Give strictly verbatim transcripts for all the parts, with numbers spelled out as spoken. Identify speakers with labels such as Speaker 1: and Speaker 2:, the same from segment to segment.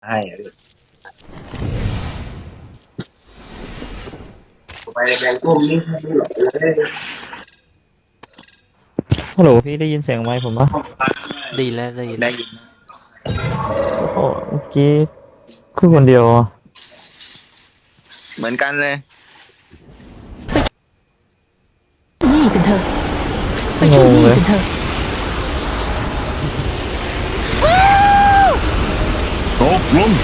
Speaker 1: ให้ไปแบงกุ้มนี่ไม่หลอกเลย
Speaker 2: ฮัลโหลพี่ได้ยินเสียงไมค์ผมปะ
Speaker 3: ดีแล้วได้ยินได้ยิน
Speaker 2: โอ้เมื่อกี้คือคนเดียวอ่ะ
Speaker 3: เหมือนกันเลย
Speaker 4: นี่กันเถอะไปที่นี่กันเถอะ
Speaker 5: ตกลง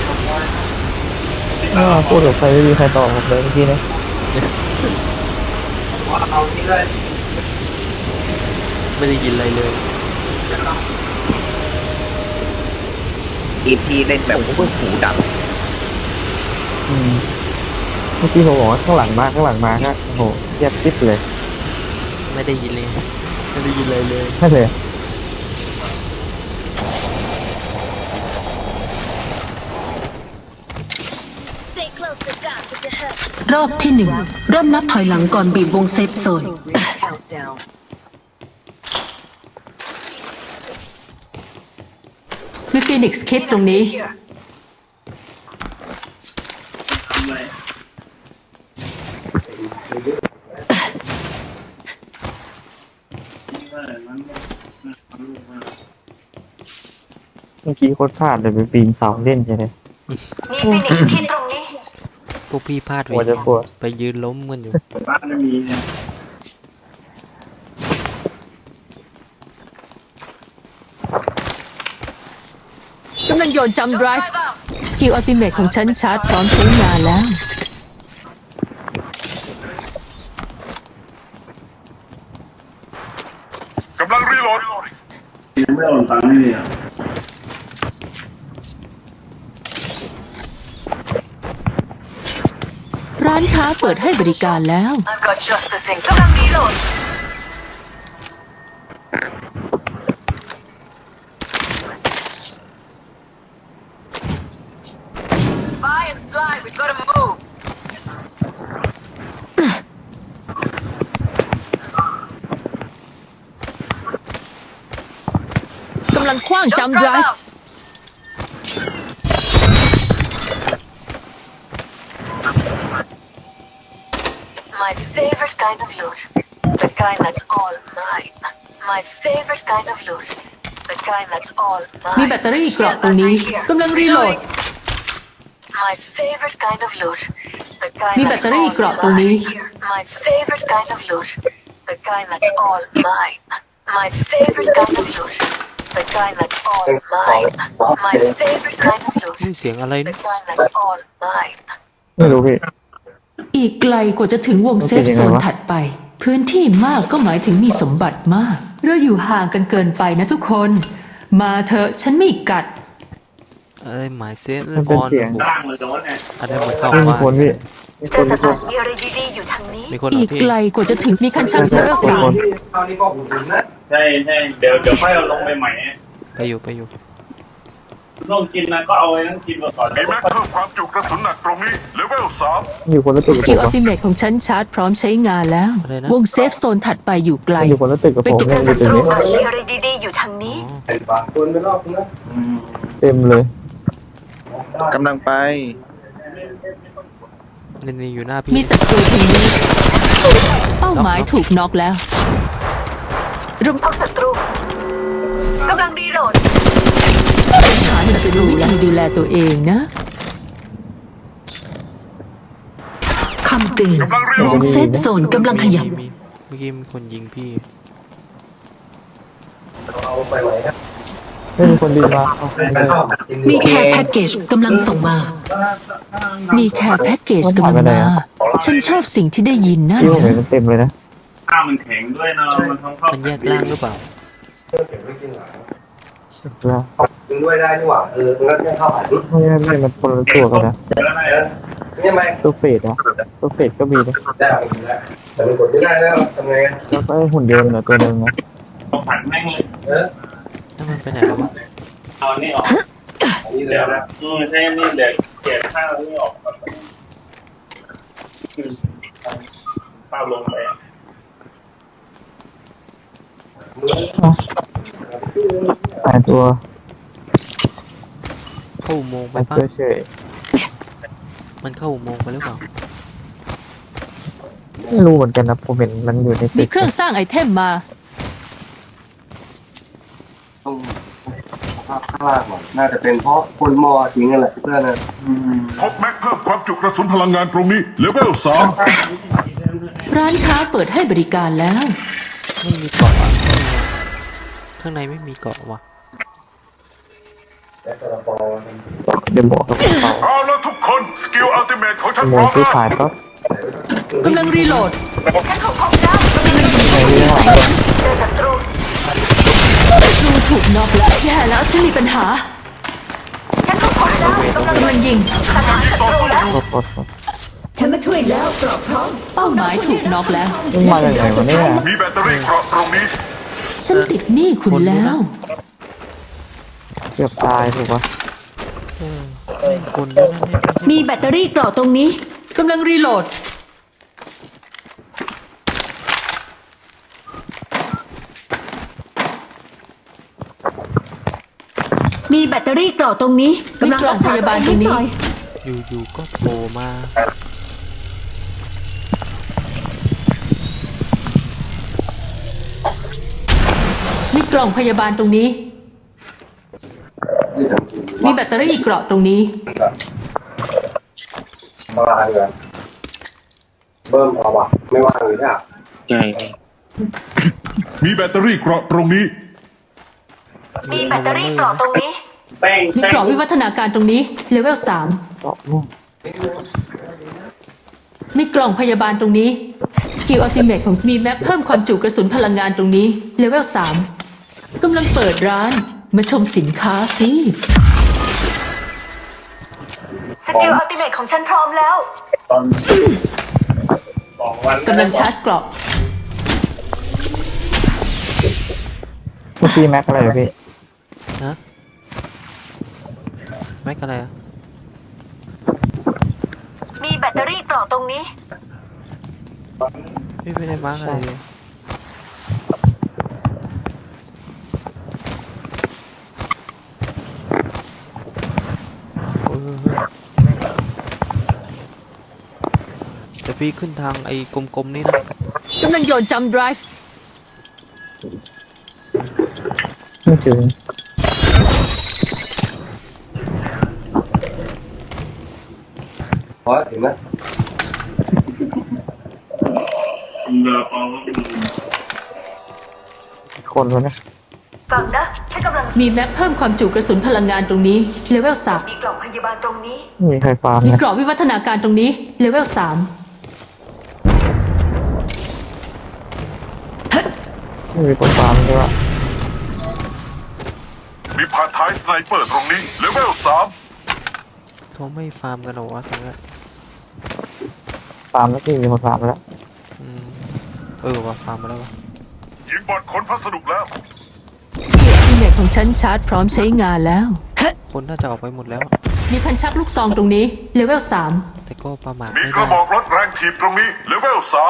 Speaker 2: อ้าวพูดกับใครไม่มีใครตอบผมเลยเมื่อกี้นะ
Speaker 3: ไม่ได้ยินอะไรเลย
Speaker 1: อีพีเล่นแบบพวกหูดับ
Speaker 2: อืมเมื่อกี้ผมบอกว่าข้างหลังมาข้างหลังมาฮะโอ้โหแยบจิ๊บเลย
Speaker 3: ไม่ได้ยินเลยไม่ได้ยินอะไรเลย
Speaker 2: ใช่เลย
Speaker 4: รอบที่หนึ่งเริ่มนับถอยหลังก่อนบีบวงเซฟโซนมีฟีนิกซ์คิดตรงนี้
Speaker 2: เมื่อกี้โคตรพลาดเลยไปปีนเสาเล่นใช่ไหม
Speaker 4: มีฟีนิกซ์คิดตรงนี้
Speaker 3: พวกพี่พลาดไปไปยืนล้มกันอยู่
Speaker 1: บ้านไม่มีเนี่ย
Speaker 4: กำลังโยนจัมป์ไดรฟ์สกิลอัลติเมทของฉันชาร์จพร้อมใช้งานแล้ว
Speaker 5: กำลังรีโหลด
Speaker 1: ยังไม่โอนตังค์เลยอ่ะ
Speaker 4: ร้านค้าเปิดให้บริการแล้ว
Speaker 6: I've got just the thing. กำลังรีโหลด Fly and fly. We've got to move.
Speaker 4: กำลังคว้างจัมป์ไดรฟ์
Speaker 6: My favorite kind of loot. The kind that's all mine. My favorite kind of loot. The kind that's all
Speaker 4: มี
Speaker 6: mine.
Speaker 4: แบตเตอรี่เกราะตรงนี้กำลังรีโหลด
Speaker 6: My favorite kind of loot. The kind
Speaker 4: มีแบต
Speaker 6: that's
Speaker 4: เตอรี่
Speaker 6: all
Speaker 4: เกราะตรงนี้
Speaker 6: mine. My favorite kind of loot. The kind that's all mine. My favorite kind of loot. The kind that's all mine. My favorite kind of loot.
Speaker 3: นี่เสียงอะไร
Speaker 6: The
Speaker 3: นี่
Speaker 6: kind that's all mine.
Speaker 2: ไม่รู้พี่
Speaker 4: อีกไกลกว่าจะถึงวงเซฟโซนถัดไป พื้นที่มากก็หมายถึงมีสมบัติมาก เราอยู่ห่างกันเกินไปนะทุกคน มาเถอะฉันไม่กัด
Speaker 3: อะไรหมายเซฟ
Speaker 2: มันเป็นเสียง
Speaker 1: ล่างเลยโดนไง
Speaker 3: อะไรมาเข้า
Speaker 2: ไม่มี
Speaker 3: มา
Speaker 2: คนพี่มีค
Speaker 6: เจอน ส
Speaker 2: มีค
Speaker 6: ถาน นมีอะไรดีๆอยู่ทางนี้
Speaker 3: มีคน
Speaker 4: อี
Speaker 3: เอา
Speaker 4: ก
Speaker 3: ที่
Speaker 4: ไกลกว่าจะถึงมีคันชั่นเลเวลสาม
Speaker 1: คราวนี้ก็อุ่นนะใช่ใช่เดี๋ยวเดี๋ยวค่อยเอาลงไปใหม่
Speaker 3: ไปอยู่ไปอยู่
Speaker 1: ลงกินนะก็เอาไว้ทั้งกินมาก่อน
Speaker 5: มีแม็กเพิ่มความจุกระสุนหนักตรงนี้เลเวลสาม
Speaker 2: อยู่คนละตึก
Speaker 4: ส
Speaker 2: กับผ
Speaker 4: กิล
Speaker 2: ม
Speaker 4: อัล
Speaker 2: อะ
Speaker 4: ติเมทของฉันชาร์จพร้อมใช้งานแล้ว วงเซฟโซนถัดไปอยู่ไกล
Speaker 2: อยู่คนละตึกกับผม
Speaker 4: ไปเก็บ
Speaker 2: เนี่ยอยู่ตรงนี้
Speaker 6: มีอะไรดีๆอยู่ทางนี้
Speaker 1: คนไปรอบนะ
Speaker 2: เต็มเลย
Speaker 3: กำลังไปนี่นี่อยู่หน้าพี่
Speaker 4: มีศัตรูทีนี้เป้าหมายถูกน็อกแล้วรุม
Speaker 6: พบศัตรูกำลังรีโหลด
Speaker 4: หาศัตรูวิธีดูแลตัวเองนะคำเตือนวงเซฟโซนกำลังขยับ
Speaker 3: มีเมื่อกี้มีคนยิงพี่
Speaker 1: เอาไปไหวนะ
Speaker 2: ไม่มีคนดีมาเอาไปเลย
Speaker 4: มีแคร์แพ็กเกจกำลังส่งมา มีแคร์แพ็กเกจกำลังมา ฉันชอบสิ่งที่ได้ยินนั่น
Speaker 2: ที่ผมเห็น
Speaker 4: นะ
Speaker 2: มันเต็มเลยนะ
Speaker 1: ข้าวมันแข็งด้วยนะมันท้องเข้า
Speaker 3: มันแยกล่างหรือเปล่า
Speaker 2: แล้ว
Speaker 1: กินด้วยได้นี่หว่าเอองั้นข้าวผัด
Speaker 2: ไม่ไม่ไม่มันคนละตัวกันนะ
Speaker 1: นี่ไหม
Speaker 2: ตัวเฟดนะตัวเฟดก็มีนะ
Speaker 1: ได้แต่มันกดไม่ได้แล้วทำไง
Speaker 2: แล้วก็ไอ้หุ่นยนต์นะตัวหนึงนะ
Speaker 1: ต้องผัดแม่งเลยเออ
Speaker 3: ถ้ามันไปไหนแล้ววะ
Speaker 1: เอานี่ออกนี่แล้วนะอืมใช่นี่เดี๋ยวเสียข้าวนี่ออกข้าวลงไป
Speaker 2: หายตัว
Speaker 3: เข้าอุโมงค์ไป
Speaker 2: มา
Speaker 3: ปะ
Speaker 2: ช่วยเฉย
Speaker 3: มันเข้าอุโมงค์ไปหรือเปล่า
Speaker 2: ไม่รู้เหมือนกันนะผมเห็นมันอยู่ใน
Speaker 4: มี
Speaker 2: ตึก
Speaker 4: เครื่องสร้างไอเทมมา
Speaker 7: ภาพข้างล่างหน่อยน่าจะเป็นเพราะคนมอทิ้งนั่นแหละเพื่อนนะ
Speaker 5: พบแม็กเพิ่มความจุกระสุนพลังงานตรงนี้เลเวลสาม
Speaker 4: ร้านค้าเปิดให้บริการแล้ว
Speaker 3: ไม่มีเกาะอะข้างในไม่มีเกาะว่ะ
Speaker 2: เดี๋ยวบอกกับเขา
Speaker 5: เอาละทุกคนสกิลอัลติเมทของฉัน
Speaker 2: โม
Speaker 5: พร้
Speaker 2: ง
Speaker 5: อม
Speaker 2: ซื้อ
Speaker 5: แล้ว
Speaker 2: ขายปั๊บ
Speaker 4: กำลังรีโหลด
Speaker 6: ฉันถูกพบแล้ว
Speaker 2: ใช้เรื่องหลัง
Speaker 6: เจอศัตรู
Speaker 4: ดูถูกนอกแล้วแย่แล้วฉันมีปัญหา
Speaker 6: ฉันถูกพบแล้วกำลัง
Speaker 4: กำลังยิง
Speaker 6: สังหารศัตรูแล้ว
Speaker 2: โคตรโคตรโคตร
Speaker 8: ฉันมาช่วยแล้วกรอบพร้อม
Speaker 4: เป้าหมายถูกน็อกแล้ว
Speaker 2: มันมาจากไหนวะเนี่ย
Speaker 5: มีแบตเตอรี่เกราะตรงนี้
Speaker 4: ฉันติดหนี้คุณแล้ว
Speaker 2: เกือบตายถูกปะ
Speaker 3: เออคนด้วยนะเนี่ยไม่ใช่
Speaker 8: มีแบตเตอรี่กรอบตรงนี้
Speaker 4: กำลังรีโหลด
Speaker 8: มีแบตเตอรี่กรอบตรงนี้
Speaker 4: มีกล่องพยาบาลตรงนี้
Speaker 3: อยู่ๆก็โผล่มา
Speaker 4: มีกล่องพยาบาลตรงนี้ มีแบตเตอรี่เกราะตรงนี้
Speaker 7: มาเลยเบิ้มเอาวะไม่ว่างเลยเนี่ย
Speaker 1: ใช่
Speaker 5: มีแบตเตอรี่เกราะตรงนี้
Speaker 6: มีแบตเตอรี่กรอบตรงนี้
Speaker 1: แป้ง
Speaker 4: มีกรอบวิวัฒนาการตรงนี้ เลเวลสาม
Speaker 2: เกาะม่วง
Speaker 4: มีกล่องพยาบาลตรงนี้ สกิลอัลติเมทของมีแม็กเพิ่มความจุกระสุนพลังงานตรงนี้ เลเวลสามกำลังเปิดร้าน มาชมสินค้าสิ
Speaker 6: สกิลอัลติเมทของฉันพร้อมแล้ว
Speaker 1: ตอนสองวัน
Speaker 4: กำลังชาร์จกรอบ
Speaker 2: เมื่อกี้แม็กอะไรเหรอพี่
Speaker 3: นะแม็กอะไรอะ
Speaker 6: มีแบตเตอรี่กรอบตรงนี้
Speaker 3: พี่ไม่ได้มาร์กอะไรเลยโอ้ยแต่พี่ขึ้นทางไอ้กลมๆนี่นะ
Speaker 4: กำลังโยนจัมป์ไดรฟ์
Speaker 2: ไม่ถึง
Speaker 7: เพราะเห็นไหม
Speaker 1: เรือปอง
Speaker 2: คนวะเนี่ย
Speaker 6: ฟังนะ ฉันกำลัง
Speaker 4: มีแม็กเพิ่มความจุกระสุนพลังงานตรงนี้ เลเวลสาม
Speaker 6: มีกล่องพยาบาลตรงนี้
Speaker 2: ไม่มีใครฟาร์ม
Speaker 4: มี
Speaker 2: นะ
Speaker 4: กรอบวิวัฒนาการตรงนี้ เลเวลสาม
Speaker 2: ไม่มีคนฟาร์มใช่ปะ
Speaker 5: มีพานท้ายสไนเปอร์ตรงนี้เลเวลสาม
Speaker 3: เขาไม่ฟาร์มกันหรอวะตรงนี้น
Speaker 2: ฟาร์มแล้วพี่มีคนฟาร์มไปแล้ว
Speaker 3: อืมเออว่ะฟาร์มมาแล้ววะ
Speaker 5: ยิงบอลขนพัสดุแล้ว
Speaker 4: สกิลอัลติเมทของฉันชาร์จพร้อมใช้งานแล้ว
Speaker 3: คนน่าจะออกไปหมดแล้วอะ
Speaker 4: มีคันชักลูกซองตรงนี้ เลเวลสาม
Speaker 3: แต่ก็ประมาท
Speaker 5: มี
Speaker 3: ไม่
Speaker 5: ก
Speaker 3: ได้
Speaker 5: ระบอกรถแรงถีบตรงนี้เลเวลสาม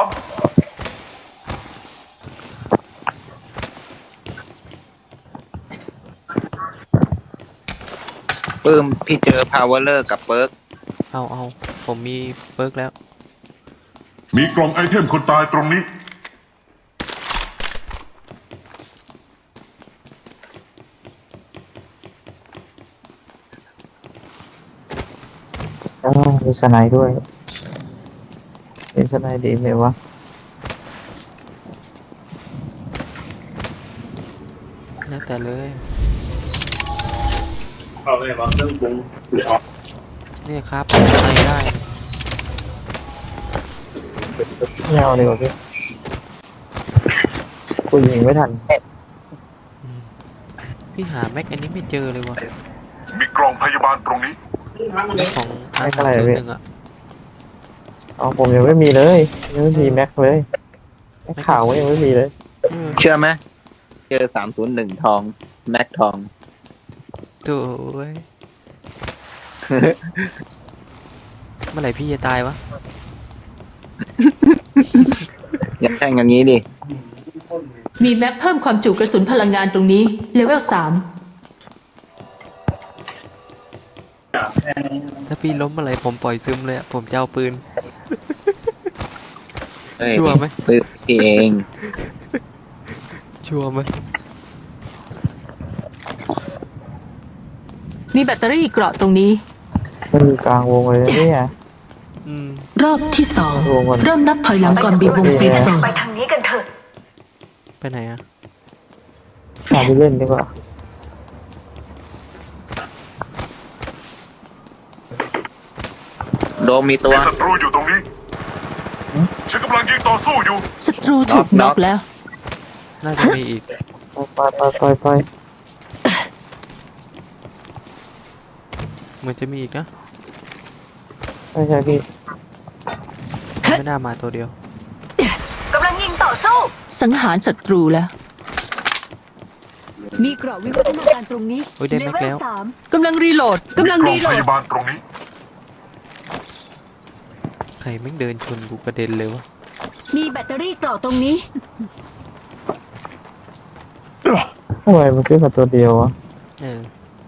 Speaker 9: ปื้มพี่เจอพาวเวอร์เลอร์กับเบิร์ก
Speaker 3: เอาเอาผมมีเบิร์กแล้ว
Speaker 5: มีกล่องไอเทมคนตายตรงนี้
Speaker 2: อ๋อมีสไนด์ด้วยเป็นสไนด์ดีไหมวะ
Speaker 3: แล้วแต่เลย
Speaker 1: เข้าเลยว่าเครื่องปรุง
Speaker 3: เนี่ยครับอะไรได้
Speaker 2: ไม่เอาดีกว่าพี่กูยิงไม่ทัน
Speaker 3: พี่หาแม็กอันนี้ไม่เจอเลยวะ
Speaker 5: มีกล่องพยาบาลตรงนี้
Speaker 3: ของอา
Speaker 2: แม็ก
Speaker 3: หา
Speaker 2: อะ
Speaker 3: ร
Speaker 2: ไร
Speaker 3: จุ
Speaker 2: อะ
Speaker 3: ด
Speaker 2: พี่
Speaker 3: หนึ่งอะ
Speaker 2: เอาผมยังไม่มีเลยยังไม่มีแม็กเลยแม็กขาวก็ยังไม่มีเลย
Speaker 3: เออ
Speaker 9: เชื่อไหมเจอสามศูนย์หนึ่งทองแม็กทอง
Speaker 3: โถ่เว้ย เมื่อไหร่พี่จะตายวะ
Speaker 9: อย่าแข่งอย่างนี้ดิ
Speaker 4: มีแม็กเพิ่มความจุกระสุนพลังงานตรงนี้ เลเวลสาม
Speaker 1: แค่นี้
Speaker 3: ถ้าพี่ล้มอะไรผมปล่อยซึมเลยอะผมจะเอาปืน
Speaker 9: เฮ้ย
Speaker 3: ชัวร์ไหม
Speaker 9: ปืนพี่เอง
Speaker 3: ชัวร์ไหม
Speaker 4: มีแบตเตอรี่เกราะตรงนี้
Speaker 2: มันอยู่กลางวงเลยนะเนี่ย
Speaker 3: อืม
Speaker 8: รอบที่สอง
Speaker 2: วงมัน
Speaker 8: เริ่มนับถอยหลังก่อนบีบวงเซฟโซนไปทางนี้กันเถอะ
Speaker 3: ไปไหนอะ
Speaker 2: พาไปเล่นดีกว่า
Speaker 9: โดมมีตัว
Speaker 5: มีศัตรูอยู่ตรงนี้ฉันกำลังยิงต่อสู้อยู่
Speaker 4: ศัตรูถูก
Speaker 9: น็
Speaker 4: น็
Speaker 9: อ
Speaker 4: อก กแล้ว
Speaker 3: น่าจะมีอีก
Speaker 2: ไปไปไปไป
Speaker 3: เหมือนจะมีอีกนะ
Speaker 2: ใช่ใช่พี่
Speaker 3: ไม่น่ามาตัวเดียว
Speaker 8: กำลังยิงต่อสู้
Speaker 4: สังหารศัตรูแล้ว
Speaker 8: มีเกราะวิวัฒนาการตรงนี้
Speaker 3: โอ้ยได้แม็กแล้ว
Speaker 8: สาม
Speaker 4: กำลังรีโหลด กำลัง
Speaker 5: กล่อ
Speaker 4: รี
Speaker 5: ง
Speaker 4: โหล
Speaker 5: พ
Speaker 4: ด
Speaker 5: ยาบาลตรงนี้
Speaker 3: ใครแม่งเดินชนกูกระเด็นเลยวะ
Speaker 8: มีแบตเตอรี่เกราะตรงนี้
Speaker 2: ทำไมมันขึ้นมาตัวเดียววะ
Speaker 3: เออ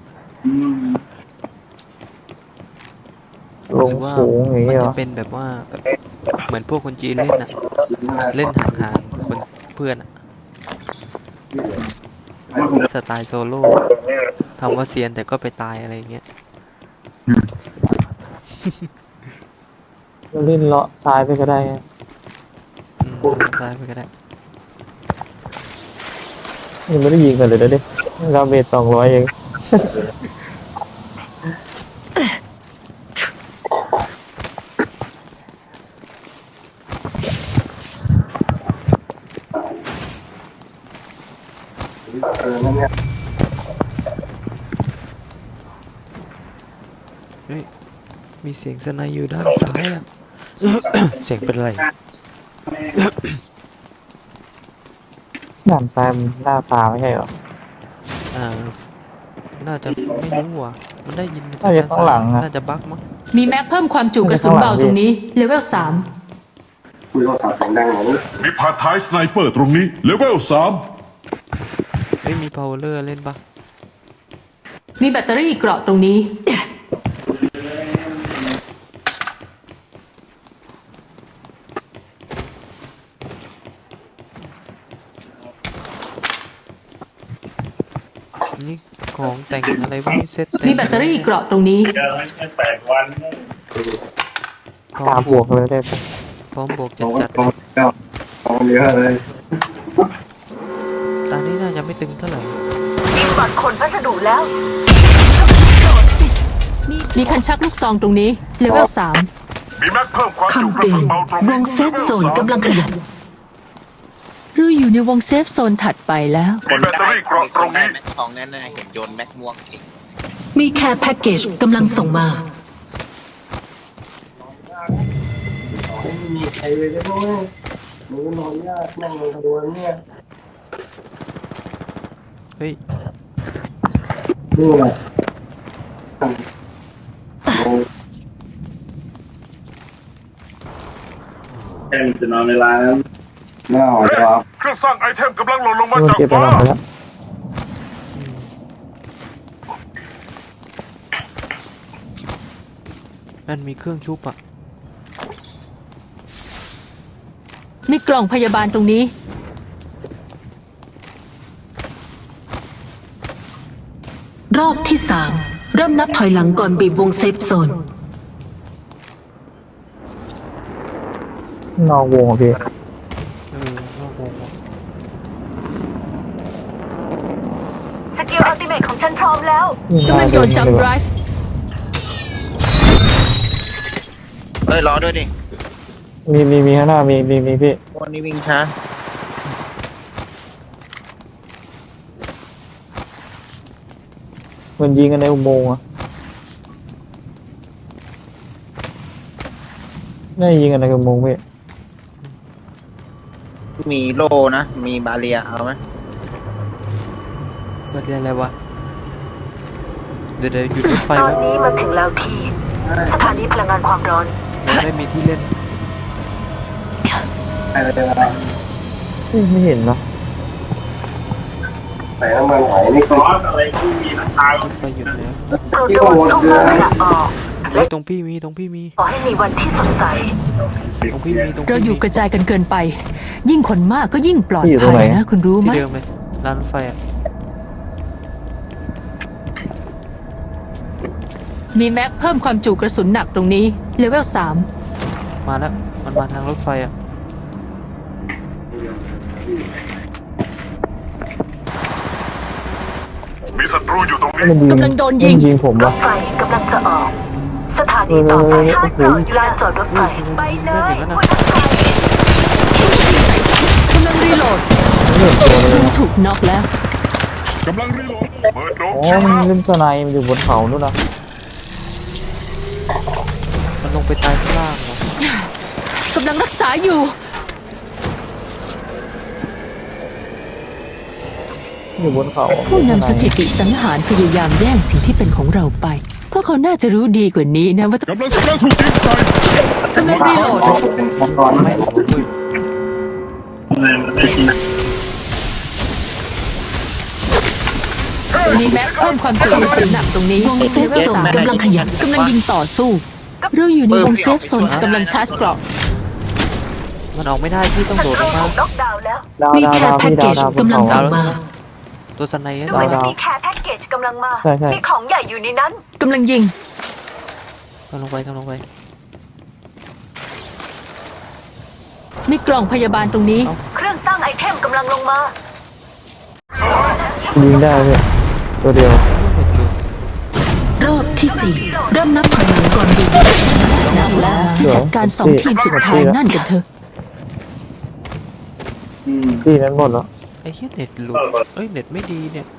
Speaker 2: ลงสูงอย่าง
Speaker 3: มั
Speaker 2: นี้
Speaker 3: น
Speaker 2: เหร
Speaker 3: จะ
Speaker 2: อ
Speaker 3: เป็นแบบว่าแบบเหมือนพวกคนจีนเล่นอะเล่นห่างๆคนเพื่อนอะสไตล์โซโล่ทำว่าเซียนแต่ก็ไปตายอะไรอย่างเงี้ย
Speaker 2: เราเล่นเลาะซ้ายไปก็ได้ไง
Speaker 3: อืมซ้ายไปก็ได้
Speaker 2: ยังไม่ได้ยิงกันเลยนะดิดาเมจสองร้อยเอง
Speaker 7: เออนั่นเนี่ย
Speaker 3: เฮ้ยมีเสียงสไนอยู่ด้านซ้ายอะ เสียงเป็นไร
Speaker 2: ด่านซ้ายมันหน้าตาไม่ใช่เหรอ
Speaker 3: อ่า น่าจะไม่รู้ว่ะ มันได้ยินม
Speaker 2: น่าจะข้างหลังอะ
Speaker 3: น่าจะบั๊กมั้ง
Speaker 4: มีแม็กเพิ่มความจุกระสุนเบาตรงนี้ เลเวลสาม
Speaker 7: คุยโทรศัพท์เสียงดังอย่างนี้
Speaker 5: มีผ่านท้ายสไนเปอร์ตรงนี้เลเวลสาม
Speaker 3: ไม่มีพาวเวอร์เล่นปะ
Speaker 4: มีแบตเตอรี่เกราะตรงนี้
Speaker 3: นี่ของแต่งอะไรพวกนี้เซ็ตเต็
Speaker 4: มีแบตเตอรี่เกราะตรงนี้
Speaker 1: เดี๋ยวให้แปดวัน
Speaker 3: พร้อ
Speaker 2: ตาม บวกเลยได้ปะ
Speaker 3: พร้อมบวกจั
Speaker 7: โอ้
Speaker 3: ด
Speaker 7: โห
Speaker 3: จัด
Speaker 7: เจ้าของเยอะเลย
Speaker 3: ตอนนี้น่าจะไม่ตึงเท่าไหร่
Speaker 8: ยิงบัตรคนพัสดุแล้ว
Speaker 4: มีคันชักลูกซองตรงนี้ เลเวลสาม
Speaker 5: มีแม็กเพิ่มความจุ
Speaker 8: คำ
Speaker 5: กระ
Speaker 8: เตือ
Speaker 5: สุ
Speaker 8: น
Speaker 5: นเบาตรง
Speaker 8: ว
Speaker 5: นี้
Speaker 8: งเซฟโซนกำลังขยับ
Speaker 4: เราอยู่ในวงเซฟโซนถัดไปแล้ว
Speaker 5: มีแบตเตอรี่เกราะตรงนี้
Speaker 9: แม็กทองแน่ๆเห็นโยนแม็กม่วงอีก
Speaker 8: มีแคร์แพ็กเกจกำลังส่งมา
Speaker 7: ไม่มีใครเลยได้ไหมหนูนอนยากนั่งลงทะวนเนี่ย
Speaker 3: เฮ้ย
Speaker 7: นี่ไง
Speaker 1: แค่มันจะนอนเวลานั้น
Speaker 7: น่าหอจอ
Speaker 5: เครื่องสร้างไอเทมกำลังหล่นลงมา
Speaker 2: มัน
Speaker 5: จาก
Speaker 2: เก็บไป
Speaker 5: ฟ้า
Speaker 2: หลังไปแล้ว
Speaker 3: มันมีเครื่องชุบอะ
Speaker 4: มีกล่องพยาบาลตรงนี้
Speaker 8: รอบที่สามเริ่มนับถอยหลังก่อนบีบวงเซฟโซน
Speaker 2: นอกวงอ่ะพี่
Speaker 3: เออโอ้โห
Speaker 8: สกิลอัลติเมทของฉันพร้อมแล้ว
Speaker 4: กำลังโยนจัมป์ไดรฟ์
Speaker 9: เอ้ยรอด้วยดิ
Speaker 2: มีมีมีข้างหน้ามีมีมีพี่
Speaker 9: วันนี้วิ่งช้า
Speaker 2: มันยิงกันในอุโมงค์อ่ะน่าจะยิงกันในอุโมงค์พี่
Speaker 9: มีโลนะ มีบาเรียเอาไหม
Speaker 3: เกิดอะไรวะ เดี๋ยวเดี๋ยวหยุดรถไฟ
Speaker 8: ตอน
Speaker 3: ไว้
Speaker 8: นี้มันถึงแล้วที่สถานีพลังงานความร้อน
Speaker 3: เราได้มีที่เล่น
Speaker 7: อะไรอะไร
Speaker 2: เอ้ยไม่เห็นนะ
Speaker 7: ใส่น้ำมันหอยนี่
Speaker 1: ซอสอะไรที่มีราคาร
Speaker 3: ถไฟหยุดแล้ว
Speaker 6: โปรดระวังช่องว่างขณะออก
Speaker 3: เฮ้ยตรงพี่มีตรงพี่มี
Speaker 6: ขอให้มีวันที่สดใส
Speaker 3: ตรงพี่มีตรง
Speaker 4: เรา
Speaker 3: พี่
Speaker 4: อยู่
Speaker 3: มี
Speaker 4: กระจายกันเกินไป ยิ่งคนมากก็ยิ่งปลอด
Speaker 2: พี่อยู่ตรง
Speaker 4: ภั
Speaker 2: ไหน
Speaker 4: ยนะคุณรู้ไหม
Speaker 3: ที่เดิมเลยร้านรถไฟอ่ะ
Speaker 4: มีแม็กเพิ่มความจุกระสุนหนักตรงนี้เลเวลสาม
Speaker 3: มาแล้วมันมาทางรถไฟอ่ะ
Speaker 5: มีศัตรูอยู่ตรงนี้
Speaker 2: มันยิง
Speaker 4: กำลังโดน
Speaker 2: มัน
Speaker 4: ยิง
Speaker 2: ยิงผม
Speaker 6: ร
Speaker 2: วะ
Speaker 6: ถไฟกำลังจะออก สถานีต่อไปชาร์จเกราะอยู่ลานจอดรถไฟ ไปเลยคุณทักทาย
Speaker 4: กำลังรีโหลด
Speaker 2: ไม่เห็นตัวเลยนะ
Speaker 4: ถูกน็อกแล้ว
Speaker 5: กำลังรีโหลดเปิดโดม
Speaker 2: อ๋อ
Speaker 5: ชิว
Speaker 2: มัน
Speaker 5: แล้ว
Speaker 2: เล่นสไนมันอยู่บนเขานู่นนะ
Speaker 3: มันลงไปตายข้างล่างเหรอก
Speaker 4: ำลังรักษาอยู่
Speaker 2: อยู่บนเขา
Speaker 4: ผู้นำสถิติสังหารพยายามแย่งสิ่งที่เป็นของเราไป เพราะเขาน่าจะรู้ดีกว่านี้นะว่า
Speaker 5: กำลังกำลังถูกยิงใส่
Speaker 4: กำลังรีโหลด
Speaker 7: มังกรไหม
Speaker 1: อะไรมันได้ที่ไหน
Speaker 4: มีแม็กเพิ่มความจุกระสุนหนักตรงนี้
Speaker 8: วงเซฟ
Speaker 4: เลเวล
Speaker 8: โซน
Speaker 4: สาม
Speaker 8: กำลังขยับ
Speaker 4: กำลังยิงต่อสู้ เราอยู่ในวงเซฟโซนกำลังชาร์จเกราะ
Speaker 3: มันออกไม่ได้พี่ต้อง
Speaker 6: ศั
Speaker 3: โดด
Speaker 6: ต
Speaker 3: ล
Speaker 6: รู
Speaker 3: งมา
Speaker 6: ถูกน็อกดาวน์แล้ว
Speaker 2: ดาว
Speaker 8: มี
Speaker 2: ดาว
Speaker 8: แค่
Speaker 2: ดาว
Speaker 8: แพ็ก
Speaker 2: พี่
Speaker 8: เก
Speaker 2: ดาว
Speaker 8: จ
Speaker 2: ดาวบน
Speaker 8: กำลัง
Speaker 2: เขา
Speaker 8: ส่งมา
Speaker 3: ตัวสไนเออร์
Speaker 6: ดู
Speaker 3: ตาย
Speaker 6: เหมือน
Speaker 3: แล้ว
Speaker 6: จะมีแคร์แพ็กเกจกำลังมา
Speaker 2: ใช่ใช่
Speaker 6: มีของใหญ่อยู่ในนั้น
Speaker 4: กำลังยิง
Speaker 3: ทำลงไปทำลงไป
Speaker 4: มีกล่องพยาบาลตรงนี้
Speaker 6: เครื่องสร้างไอเทมกำลังลงมา
Speaker 2: ยิงได้เลยตัวเดียว
Speaker 8: รอบที่สี่เริ่มนับถอยหลังก่อนบีบ
Speaker 4: นับแล้วจัดการสองทีมสุดท้ายนั่นกันเถอะ
Speaker 2: ที่นั้นหมดแล้ว
Speaker 3: ไอ้เหี้ยเน็ตหลุดเอ้ยเน็ตไม่ดีเนี่ย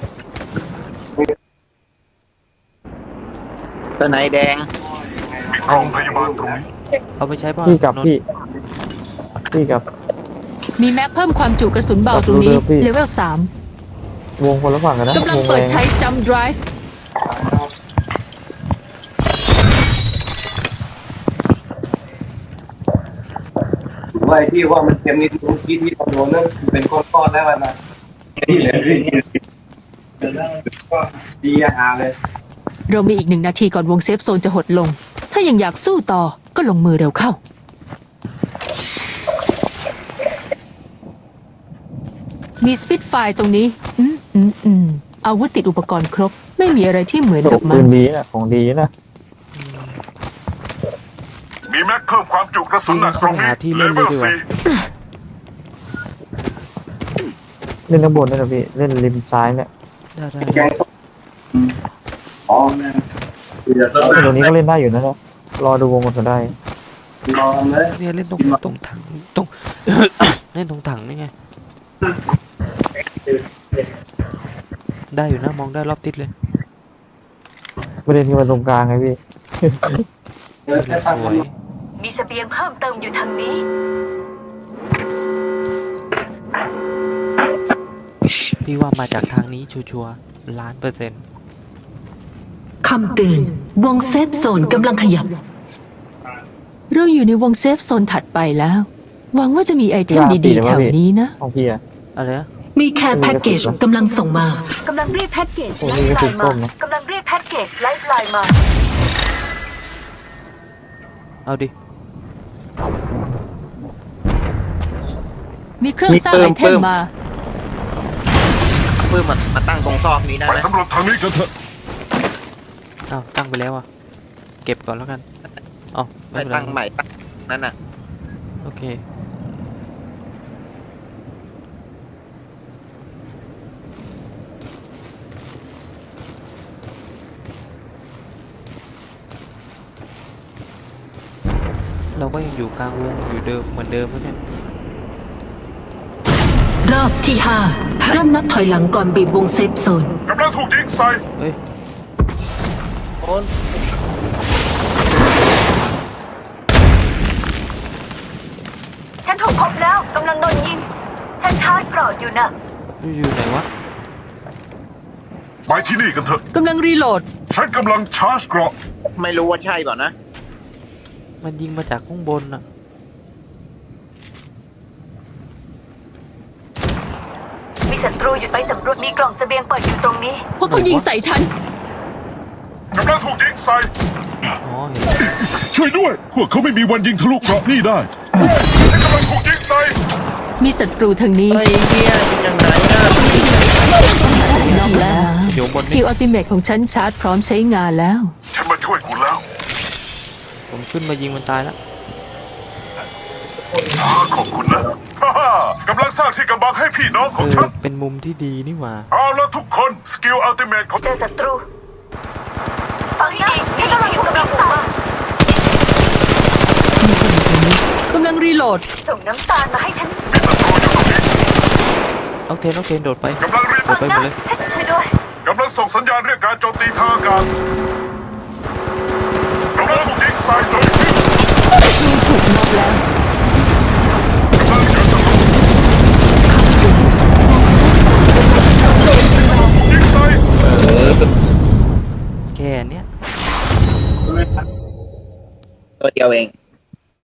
Speaker 9: ตัวไหนแดง
Speaker 5: มีกล่องพยาบาลตรงนี้
Speaker 3: เอาไปใช้บ้าง
Speaker 2: พี่กับ
Speaker 3: นนท์
Speaker 2: พี่พี่กับ
Speaker 4: มีแม็กเพิ่มความจุกระสุนเบาตรงนี้
Speaker 2: ขอบคุณครับพี่
Speaker 4: เลเวลสาม
Speaker 2: วงคนละฝั่งกันนะ
Speaker 4: กำลัง
Speaker 2: วง
Speaker 4: เปิ
Speaker 2: แร
Speaker 4: ด
Speaker 2: ง
Speaker 4: ใช้จัมป์ไดรฟ์
Speaker 7: ว่าไอ้ที่ว่ามันเค็มนิดเมื่อกี้ที่เราโดนนั่นเป็นก้อนๆแล้วมันนะนี่เลยดีอาหารเลย
Speaker 4: เรามีอีกหนึ่งนาทีก่อนวงเซฟโซนจะหดลง ถ้ายังอยากสู้ต่อก็ลงมือเร็วเข้า มีสปิดไฟตรงนี้ อืมอืมอืมอาวุธติดอุปกรณ์ครบ ไม่มีอะไรที่เหมือน
Speaker 2: โอ้
Speaker 4: กับมั
Speaker 2: ปื
Speaker 4: น
Speaker 2: นดีนะของดีนะ
Speaker 5: มีแม็กเพิ่มความจุกระสุนหนักตรงนี้
Speaker 3: หาที่
Speaker 5: เล
Speaker 3: เล่น
Speaker 5: เว
Speaker 3: เลย
Speaker 5: ล
Speaker 3: ดีกว่า
Speaker 5: สี่
Speaker 2: เล่นข้างบนด้วยนะพี่เล่นริมซ้ายเนี่ย
Speaker 3: ได้ได้
Speaker 7: แกงส้มอ๋อแม่เดี๋ยวต้อง
Speaker 2: ตรงนี้ก็เล่นได้อยู่นะนะรอดูวงกันก็ได้
Speaker 7: นอนเลย
Speaker 3: เนี่ยเล่นตรงตรงถังตรง เล่นตรงถังนี่ไง ได้อยู่นะมองได้รอบทิศเลย
Speaker 2: ประเด็นคือมันตรงกลางไงพี่
Speaker 7: เดี๋ยวแค่
Speaker 3: ส
Speaker 7: พัก
Speaker 3: วย
Speaker 6: มีเสบียงเพิ่มเติมอยู่ทางนี้
Speaker 3: พี่ว่ามาจากทางนี้ชัวร์ๆล้านเปอร์เซ็นต์
Speaker 8: คำเตือนวงเซฟโซนกำลังขยับ
Speaker 4: เราอยู่ในวงเซฟโซนถัดไปแล้ว หวังว่าจะมีไอเทมดีๆแถวนี้นะ
Speaker 2: ของพี่อะ
Speaker 3: อะไรนะ
Speaker 8: มีแค่แพ็กเกจกำลังส่งมา
Speaker 6: กำลังเรียกแพ็กเกจ
Speaker 2: โอ้
Speaker 6: ไล
Speaker 2: นี่
Speaker 6: ฟ์
Speaker 2: ก็
Speaker 6: ไล
Speaker 2: ถูก
Speaker 6: น์
Speaker 2: ต้
Speaker 6: มาม
Speaker 2: นะ
Speaker 6: กำลังเรียกแพ็กเกจไลฟ์ไลน์มา
Speaker 3: เอาดิ
Speaker 4: มีเครื่องสร้างไอเทมมา
Speaker 9: ปื้มมันมาตั้งตรงซอกนี้ได้
Speaker 5: ไป
Speaker 9: ไหม
Speaker 5: สำรวจทางนี้กันเถอะ
Speaker 3: อ้าวตั้งไปแล้วอ่ะเก็บก่อนแล้วกันอ๋อ
Speaker 9: ไป
Speaker 3: ไม่เป็นไร
Speaker 9: ตั้งใหม่ตั้งนั่นน่ะ
Speaker 3: โอเคเราก็ยังอยู่กลางวงอยู่เดิมเหมือนเดิมแล้วเนี่ย
Speaker 8: รอบที่ห้าเริ่มนับถอยหลังก่อนบีบวงเซฟโซน
Speaker 5: กำลังถูกยิงใส่
Speaker 3: เฮ้ย
Speaker 9: โอน
Speaker 6: ฉันถูกพบแล้วกำลังโดนยิง ฉันชาร์จเกราะอยู่นะ
Speaker 3: อยู่ไหนวะ
Speaker 5: ไปที่นี่กันเถอะ
Speaker 4: กำลังรีโหลด
Speaker 5: ฉันกำลังชาร์จเกราะ
Speaker 9: ไม่รู้ว่าใช่เปล่านะ
Speaker 3: มันยิงมาจากข้างบนอ่ะ
Speaker 6: มีเสศัตรูอยู่ไปสำรวจมีกล่องเสบียงเปิดอยู่ตรงนี้
Speaker 4: พวกเขายิงใส่ฉัน
Speaker 5: กำลังถูกยิงใส่
Speaker 3: อ๋อเห็นแล้ว
Speaker 5: ช่วยด้วย พวกเขาไม่มีวันยิงทะลุเกราะนี่ได้ฉันกำลังถูกยิงใส่
Speaker 4: มีศัตรูทางนี้
Speaker 1: ไอ้เหี้ยยังไงอ่ะ
Speaker 4: นอกแล้ว
Speaker 3: เดี๋ยวบน
Speaker 4: ส
Speaker 3: นี่
Speaker 4: กิลอัลติเมทของฉันชาร์จพร้อมใช้งานแล้ว
Speaker 5: ฉันมาช่วยคุณแล้ว
Speaker 3: ผมขึ้นมายิงมันตายแล้ว
Speaker 5: อ่าขอบคุณนะฮ่าฮ่ากำลังสร้างที่กำบังให้พี่น้องข
Speaker 3: เอ
Speaker 5: อง
Speaker 3: อ
Speaker 5: ฉัน
Speaker 3: เป็นมุมที่ดีนี่หว่า
Speaker 5: เอาละทุกคน สกิลอัลติเมทของ
Speaker 6: เจอศัตรูฟังให้ดีฉันกำลังถูกกำลังส่งมา
Speaker 4: กำลังรีโหลด
Speaker 6: ส่งน้ำตาลมาให้ฉัน
Speaker 3: เอาเทนเอาเทนโดดไป
Speaker 5: กำลังรีบ
Speaker 3: โดดไปหมดเลย
Speaker 6: ฉันช่วยด้วย
Speaker 5: กำลังส่งสัญญาณเรียกการโจมตีทางอากาศกำลังถูกยิงใส่โจมตี
Speaker 4: ถูกน็อกแล้ว
Speaker 5: กำลังเจอศัตรูถูกยิงใส่
Speaker 3: แค่เนี้ย
Speaker 9: ตัวเดียวเอง